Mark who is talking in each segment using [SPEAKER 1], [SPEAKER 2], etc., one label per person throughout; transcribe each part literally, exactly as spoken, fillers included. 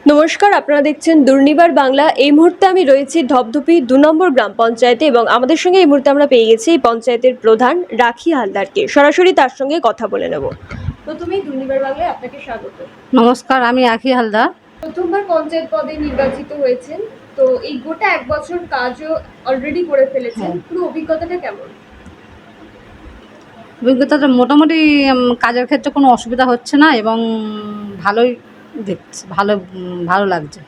[SPEAKER 1] নমস্কার, আপনারা দেখছেন দুর্নিবার বাংলা। এই মুহূর্তে আমি রয়েছি ধপধপি দু নম্বর গ্রাম পঞ্চায়েতে এবং আমাদের সঙ্গে এই মুহূর্তে আমরা পেয়ে গেছি এই পঞ্চায়েতের প্রধান রাখি হালদারকে। সরাসরি তার সঙ্গে কথা বলে নেব। প্রথমেই দুর্নিবার বাংলায় আপনাকে স্বাগত।
[SPEAKER 2] নমস্কার, আমি রাখি হালদার।
[SPEAKER 1] প্রথমবার পঞ্চায়েত পদে নির্বাচিত হয়েছেন, তো এই গোটা এক বছর কাজও অলরেডি করে ফেলেছেন, পুরো অভিজ্ঞতাটা কেমন?
[SPEAKER 2] অভিজ্ঞতাটা মোটামুটি কাজের ক্ষেত্রে কোনো অসুবিধা হচ্ছে না এবং ভালোই দেখছি, ভালো ভালো লাগছে।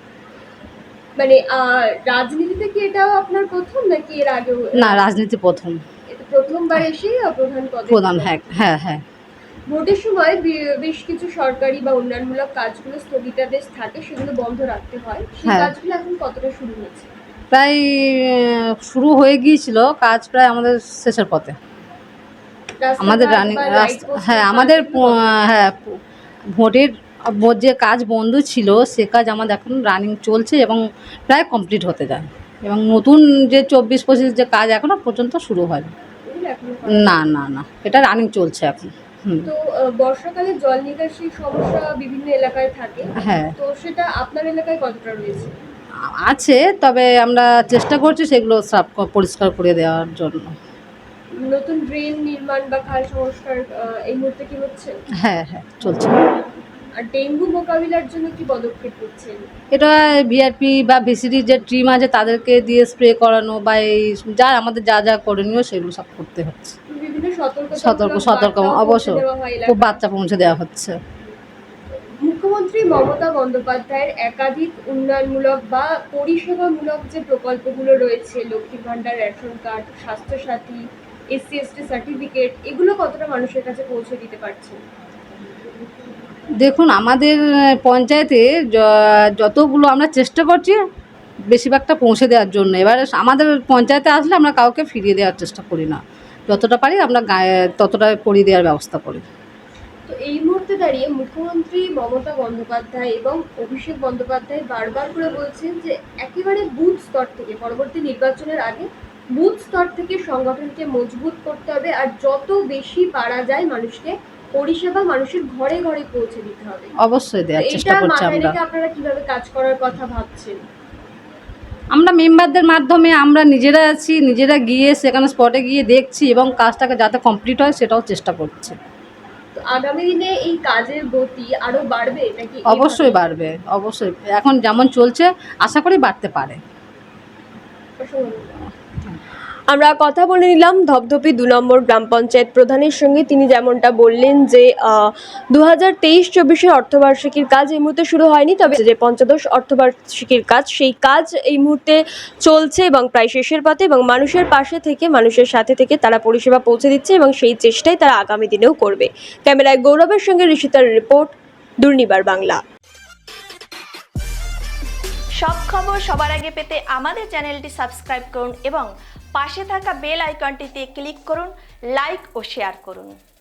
[SPEAKER 1] মানে রাজনীতিতে কি এটাও আপনার প্রথম নাকি এর আগেও?
[SPEAKER 2] না, রাজনীতি প্রথম।
[SPEAKER 1] এটা প্রথমবার এসেই প্রধান পদে?
[SPEAKER 2] প্রধান, হ্যাঁ হ্যাঁ হ্যাঁ।
[SPEAKER 1] ভোটের সময় বেশ কিছু সরকারি বা উন্নয়নমূলক কাজগুলো স্থগিতাদেশ থাকে, সেগুলো বন্ধ রাখতে হয়। সেই কাজগুলো এখন কতটা শুরু হয়েছে?
[SPEAKER 2] প্রায় শুরু হয়ে গিয়েছিল কাজ, প্রায় আমাদের শেষের পথে। আমাদের রানিং হ্যাঁ আমাদের হ্যাঁ ভোটের যে কাজ বন্ধ ছিল সে কাজ আমাদের এখন রানিং চলছে এবং প্রায় কমপ্লিট হতে যায়, এবং নতুন যে চব্বিশ পঁচিশ যে কাজ এখনো পর্যন্ত শুরু হয় না। না না এটা রানিং চলছে এখন।
[SPEAKER 1] তো বর্ষাকালে জল নিকাশি সমস্যা বিভিন্ন এলাকায় থাকে, হ্যাঁ, তো সেটা আপনার এলাকায় কতটা রয়েছে?
[SPEAKER 2] আছে, তবে আমরা চেষ্টা করছি সেগুলো সাফ পরিষ্কার করে দেওয়ার জন্য।
[SPEAKER 1] নতুন ড্রেন নির্মাণ বা খাল সংস্কার এই মুহূর্তে কি হচ্ছে? হ্যাঁ
[SPEAKER 2] হ্যাঁ চলছে।
[SPEAKER 1] আর ডেঙ্গু মোকাবিলার জন্য কি পদক্ষেপ নিচ্ছেন?
[SPEAKER 2] এটা ভিআরপি বা ভিসিডি যে টিম আছে তাদেরকে দিয়ে স্প্রে করানো বা এই যা আমাদের যা যা করণীয় সেগুলো সব করতে হচ্ছে।
[SPEAKER 1] বিভিন্ন সতর্ক
[SPEAKER 2] সতর্ক সতর্ক অবশ্যই খুব বার্তা পৌঁছে দেওয়া হচ্ছে।
[SPEAKER 1] মুখ্যমন্ত্রী মমতা বন্দ্যোপাধ্যায়ের একাধিক উন্নয়নমূলক বা পরিষেবামূলক যে প্রকল্পগুলো রয়েছে, লক্ষ্মীর ভাণ্ডার, ration card, Swasthyasathi, SC ST certificate, এগুলো কতটা মানুষের কাছে পৌঁছে দিতে পারছেন?
[SPEAKER 2] দেখুন, আমাদের পঞ্চায়েতে যতগুলো আমরা চেষ্টা করছি বেশিরভাগটা পৌঁছে দেওয়ার জন্য। এবার আমাদের পঞ্চায়েতে আসলে আমরা কাউকে ফিরিয়ে দেওয়ার চেষ্টা করি না, যতটা পারি আমরা গায়ে ততটা করিয়ে দেওয়ার ব্যবস্থা করি।
[SPEAKER 1] তো এই মুহূর্তে দাঁড়িয়ে মুখ্যমন্ত্রী মমতা বন্দ্যোপাধ্যায় এবং অভিষেক বন্দ্যোপাধ্যায় বারবার করে বলছেন যে একেবারে বুথ স্তর থেকে, পরবর্তী নির্বাচনের আগে বুথ স্তর থেকে সংগঠনকে মজবুত করতে হবে, আর যত বেশি পারা যায় মানুষকে পরিষেবা মানুষের ঘরে ঘরে পৌঁছে দিতে হবে।
[SPEAKER 2] অবশ্যই দেওয়ার চেষ্টা করছি আমরা।
[SPEAKER 1] আপনারা কিভাবে কাজ করার কথা ভাবছেন?
[SPEAKER 2] আমরা মেম্বারদের মাধ্যমে আমরা নিজেরা আছি, নিজেরা গিয়ে সেখানে স্পটে গিয়ে দেখছি এবং কাজটাকে যাতে কমপ্লিট হয় সেটাও চেষ্টা করছি।
[SPEAKER 1] আগামী দিনে এই কাজের গতি আরো বাড়বে নাকি?
[SPEAKER 2] অবশ্যই বাড়বে, অবশ্যই। এখন যেমন চলছে আশা করি বাড়তে পারে।
[SPEAKER 1] আমরা কথা বলে নিলাম ধপধপি দু নম্বর গ্রাম পঞ্চায়েত প্রধানের সঙ্গে। তিনি যেমনটা বললেন যে দু হাজার তেইশ চব্বিশের অর্থবার্ষিকীর কাজ এই মুহূর্তে শুরু হয়নি, তবে যে পঞ্চদশ অর্থবার্ষিকীর কাজ সেই কাজ এই মুহূর্তে চলছে এবং প্রায় শেষের পথে, এবং মানুষের পাশে থেকে মানুষের সাথে থেকে তারা পরিষেবা পৌঁছে দিচ্ছে এবং সেই চেষ্টাই তারা আগামী দিনেও করবে। ক্যামেরায় গৌরবের সঙ্গে ঋষিতার রিপোর্ট, দুর্নিবার বাংলা।
[SPEAKER 3] সব খবর সবার আগে পেতে আমাদের চ্যানেলটি সাবস্ক্রাইব করুন এবং পাশে থাকা বেল আইকনটিতে ক্লিক করুন, লাইক ও শেয়ার করুন।